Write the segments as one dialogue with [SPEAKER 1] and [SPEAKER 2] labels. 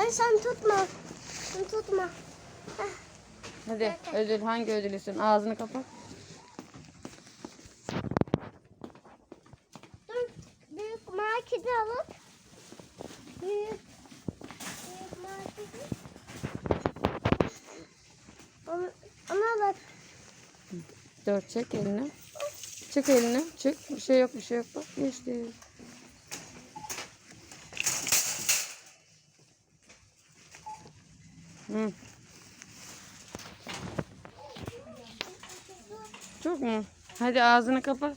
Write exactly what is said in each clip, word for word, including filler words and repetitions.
[SPEAKER 1] Anne sen tutma. Sen tutma. Heh.
[SPEAKER 2] Hadi ödül, hangi ödül istiyorsun? Ağzını kapat.
[SPEAKER 1] Dur. Büyük marketi alıp. Büyük. Büyük marketi. Onu, onu alıp.
[SPEAKER 2] Dur, çek elini. Çık elini. Çık. Bir şey yok, bir şey yok. Bak geçti. Hı. Çok mu? Hadi ağzını kapat.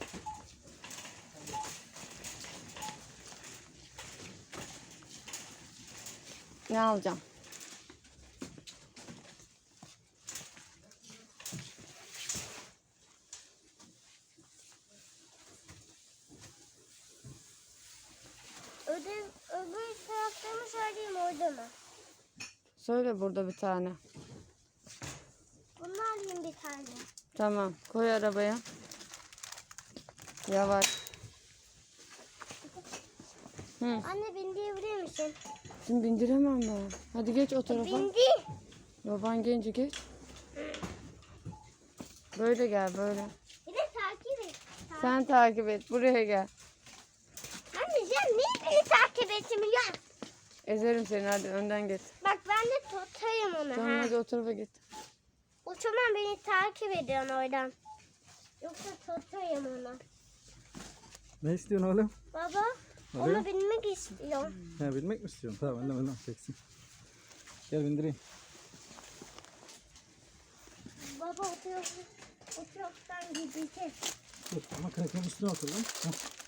[SPEAKER 2] Ne alacağım?
[SPEAKER 1] Ödül, öbür tarafta mı söyleyeyim orada mı?
[SPEAKER 2] Söyle burada bir tane.
[SPEAKER 1] Bunu alayım bir tane.
[SPEAKER 2] Tamam. Koy arabaya. Yavaş. Hı.
[SPEAKER 1] Anne bindirebilir misin?
[SPEAKER 2] Şimdi bindiremem ben. Hadi geç o tarafa.
[SPEAKER 1] Bindi.
[SPEAKER 2] Baban genci geç. Böyle gel böyle.
[SPEAKER 1] Bir de takip et. Ta-
[SPEAKER 2] Sen takip et. Buraya gel.
[SPEAKER 1] Anne sen niye beni takip etmiyorsun?
[SPEAKER 2] Ezerim seni, hadi önden git.
[SPEAKER 1] Bak ben de tutayım onu.
[SPEAKER 2] Tamam
[SPEAKER 1] ha.
[SPEAKER 2] hadi o tarafa git.
[SPEAKER 1] O zaman beni takip ediyorsun oradan. Yoksa tutayım onu.
[SPEAKER 3] Ne istiyorsun oğlum?
[SPEAKER 1] Baba
[SPEAKER 3] Oluyor.
[SPEAKER 1] onu binmek istiyorum.
[SPEAKER 3] Ha, bilmek mi istiyorsun? Tamam annem annem çeksin. Gel bindireyim.
[SPEAKER 1] Baba oturup oturuptan gideceğiz.
[SPEAKER 3] Dur ama kanepenin üstüne otur lan. Hah.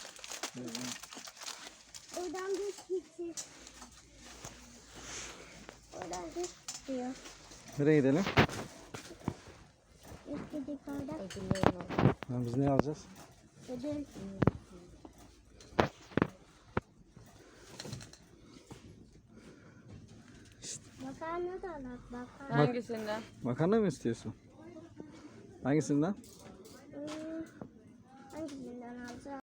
[SPEAKER 1] Oradan geç gideceğiz. Oradan geç diyor.
[SPEAKER 3] Nereye gidelim?
[SPEAKER 1] İlk gidip oradan
[SPEAKER 2] Ödüllerim var.
[SPEAKER 3] Ha, biz ne alacağız?
[SPEAKER 1] ödül. Makarna da alak makarna.
[SPEAKER 2] Hangisinden?
[SPEAKER 3] Makarna mı istiyorsun? Hangisinden?
[SPEAKER 1] Hmm, hangisinden alacağım?